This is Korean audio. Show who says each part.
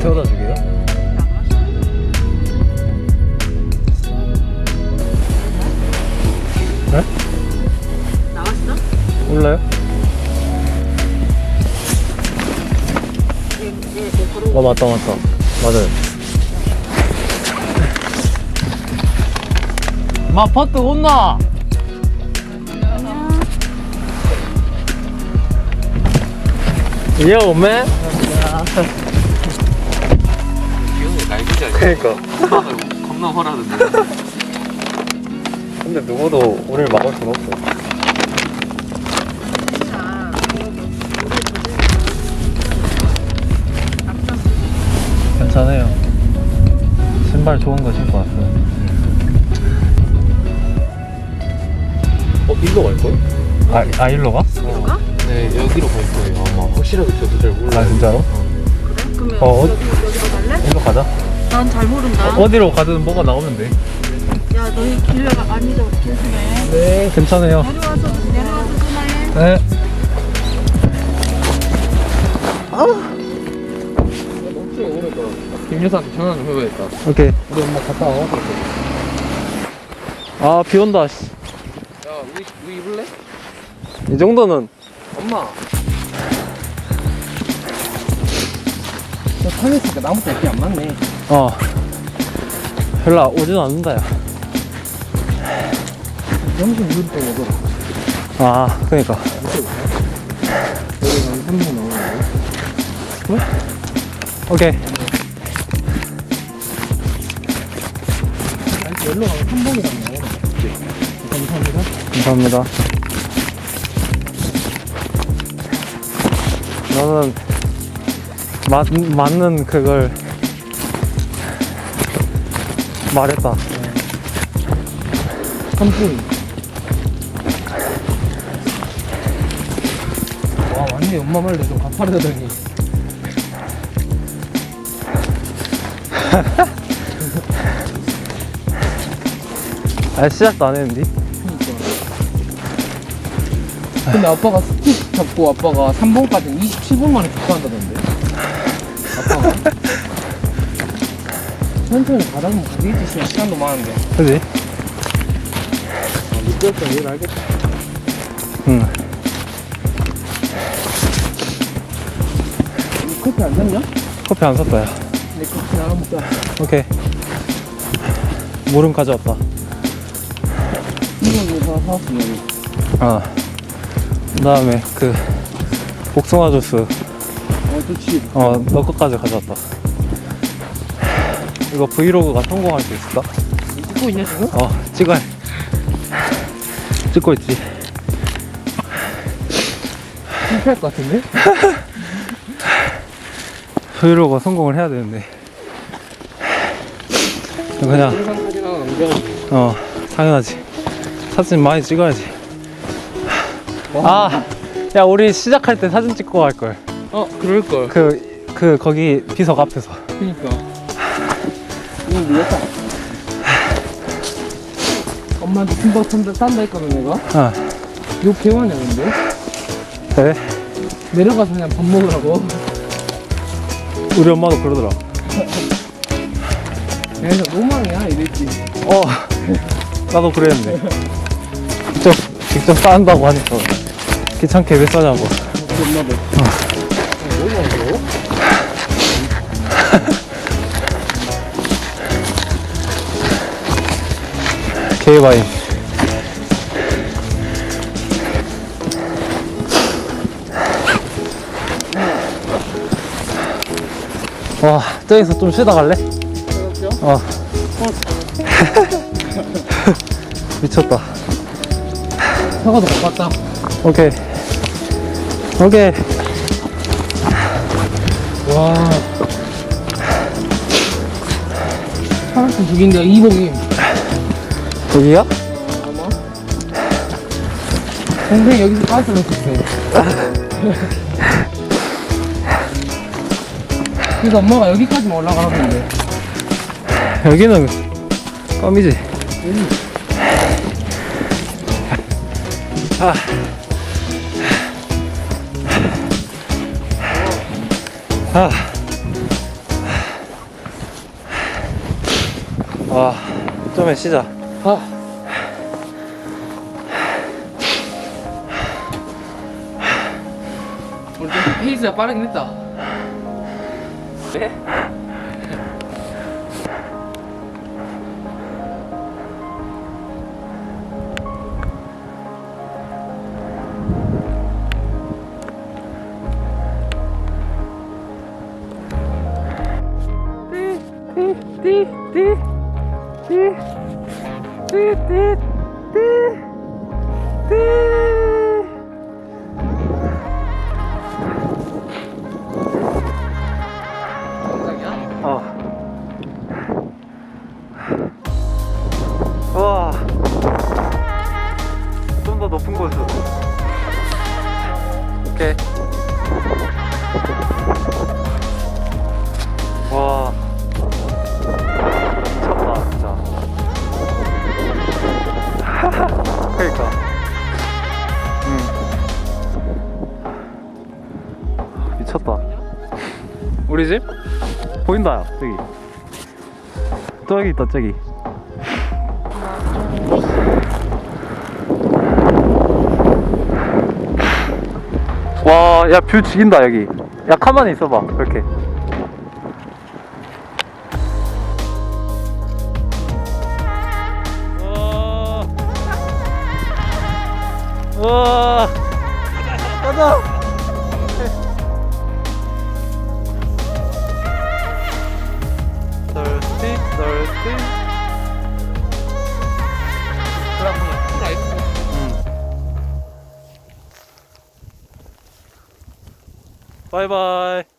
Speaker 1: 태워다 주게요? 네?
Speaker 2: 나왔어?
Speaker 1: 몰라요?
Speaker 2: 네,
Speaker 1: 맞다 맞아요. 마 퍼트 온나? 예 오메?
Speaker 3: 귀여운 거 날기지 않냐?
Speaker 1: 그니까
Speaker 3: 겁나 화나는데.
Speaker 1: 근데 누구도 우리를 막을 순 없어. 괜찮아요. 신발 좋은 거 신고 왔어요.
Speaker 3: 일로 갈걸?
Speaker 1: 아 일로 가?
Speaker 3: 네, 여기로 갈 거예요. 아마 확실하게 저도 잘 몰라요.
Speaker 1: 아 진짜로?
Speaker 2: 그래? 그러면 여기로 갈래?
Speaker 1: 일로 가자.
Speaker 2: 난 잘 모른다.
Speaker 1: 어디로 가든 뭐가 나오면 돼.
Speaker 2: 야, 너희 길래가 안 잊어. 조심해.
Speaker 1: 네 괜찮아요.
Speaker 2: 내려와서 전화해.
Speaker 1: 네.
Speaker 3: 혹시 오니까 김 여사한테 전화 좀 해봐야겠다.
Speaker 1: 오케이.
Speaker 3: 우리 엄마 갔다 와.
Speaker 1: 아 비 온다. 씨.
Speaker 3: 야, 우리 입을래?
Speaker 1: 이 정도는
Speaker 3: 엄마. 저 산에 있으니까 나무도 이렇게 안 맞네.
Speaker 1: 별로 오진 않는다 야.
Speaker 3: 점심 이럴 때 먹어.
Speaker 1: 아 그니까.
Speaker 3: 여기 한 3분 나오는데.
Speaker 1: 오케이.
Speaker 3: 아니, 열로 가면 3번이랑 나오네. 감사합니다.
Speaker 1: 감사합니다. 너는 맞는 그걸 말했다.
Speaker 3: 3분. 와, 완전히 엄마 말도 좀 가파르다더니.
Speaker 1: 아 시작도 안 했는데.
Speaker 3: 근데 아빠가 스틱 잡고 아빠가 3번까지 27분 만에 복구한다던데. 아빠가. 천천히 가다 보면 가겠지. 시간도 많은데.
Speaker 1: 그지?
Speaker 3: 미끄럽다. 얘를 알겠다.
Speaker 1: 응.
Speaker 3: 이 커피 안 샀냐?
Speaker 1: 커피 안 샀다 야.
Speaker 3: 내 커피 나눠 먹자.
Speaker 1: 오케이. 물은 가져왔다.
Speaker 3: 이거 사왔어, 여기.
Speaker 1: 그 다음에 그 복숭아 주스
Speaker 3: 좋지.
Speaker 1: 너 것까지 가져왔다. 이거 브이로그가 성공할 수 있을까?
Speaker 3: 찍고 있냐, 지금?
Speaker 1: 찍어야 찍고 있지.
Speaker 3: 실패할 것 같은데?
Speaker 1: 브이로그 성공을 해야 되는데 그냥
Speaker 3: 영상 사진 하나 남겨가지고.
Speaker 1: 당연하지. 사진 많이 찍어야지. 야 우리 시작할 때 사진 찍고 갈걸.
Speaker 3: 그럴걸.
Speaker 1: 거기 비석 앞에서.
Speaker 3: 그니까. 이거 밀렸다. 엄마한테 김밥 싼다 했거든, 내가. 욕 개화냐, 근데?
Speaker 1: 그래?
Speaker 3: 내려가서 그냥 밥 먹으라고.
Speaker 1: 우리 엄마도 그러더라.
Speaker 3: 그래서 노망이야, 이랬지.
Speaker 1: 나도 그랬는데. 직접 싸한다고 하니까 귀찮게 왜 싸냐고.
Speaker 3: 엄마도. 뭐냐고?
Speaker 1: 게이바인. 와, 저기서 좀 쉬다 갈래? 미쳤다.
Speaker 3: 사과도 못 봤다.
Speaker 1: 오케이.
Speaker 3: 와. 사람들 죽인다, 이봉임.
Speaker 1: 여기야?
Speaker 3: 아마? 동생 여기서 가스를 했었어. 그래서 엄마가 여기까지만 올라가라는데.
Speaker 1: 여기는 껌이지. 와, 좀에 쉬자.
Speaker 3: 아. 오늘 좀 페이스가 빠르긴 했다.
Speaker 1: 네?
Speaker 3: 정상이야?
Speaker 1: 와, 좀 더 높은 곳으로. 오케이. 와, 미쳤다 진짜. 그러니까. 미쳤다. 우리 집? 보인다, 저기. 저기 있다, 저기. 와, 야, 뷰 죽인다, 여기. 야, 가만히 있어봐, 이렇게. 우와. 가자! thirsty, thirsty.
Speaker 3: 그럼 그냥 풀 아이스.
Speaker 1: 바이바이.